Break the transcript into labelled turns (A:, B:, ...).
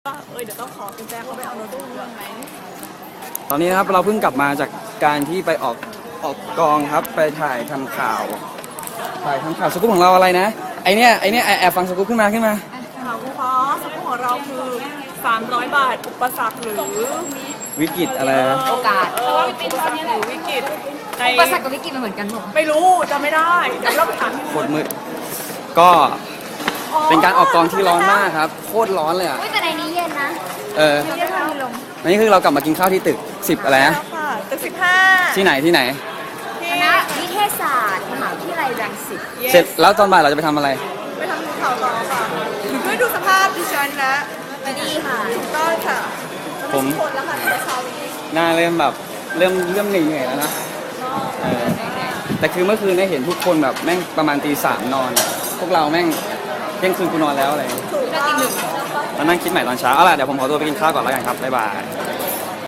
A: เดี๋ยวต้องขอกุญแจเขาไปเอาโน้ตบุ๊กเรื่องไหม
B: ตอนนี้นะครับเราเพิ่งกลับมาจากการที่ไปออกกองครับไปถ่ายทำข่าวสกู๊ปของเราอะไรนะไอเนี้ยแอบฟังสกู๊ปขึ้นมา
A: ข่าวคุณพ่อสกุลของเราคือ300 บาทอุปสรรคหรือ
B: วิกฤตอะไร
C: โอกาส
A: อุปสรรคหรือวิกฤตใน
C: อุปสรรคกับวิกฤตมันเหมือนกันหมด
A: ไม่รู้จำไม่ได้เดี๋ยวเราไปถามที่
B: โคตรมืดก็เป็นการออกกองที่ร้อนมากครับโคตรร้อนเลยอ่ะ
C: แต่ในนี้เย็นนะ
A: เดี๋ยวทำลง
B: นี่คือเรากลับมากินข้าวที่ตึก10อะไรนะ
A: ตึก15
B: ที่ไหน
C: คณะนิเทศศาสตร์มหาวิทยาลัยรังสิต
B: เสร็จแล้วตอนบ่ายเราจะไปทำอะไร
A: ไปทำข่าวต่อค่ะด้วยดูสภาพดิฉันนะ
C: ดีค่ะ
A: ก็ค่ะ
B: ผม
A: คนแล้วค่ะในเช้านี้
B: หน้าเริ่มแบบเริ่มเหนื่อยแล้วนะแต่คือเมื่อคืนได้เห็นทุกคนแบบแม่งประมาณตี 3นอนพวกเราแม่งเที่ยงคืนกูนอนแล้วอะไรมานั่งคิดใหม่ตอนเช้าเอาล่ะเดี๋ยวผมขอตัวไปกินข้าวก่อนแล้วกันครับบ๊ายบาย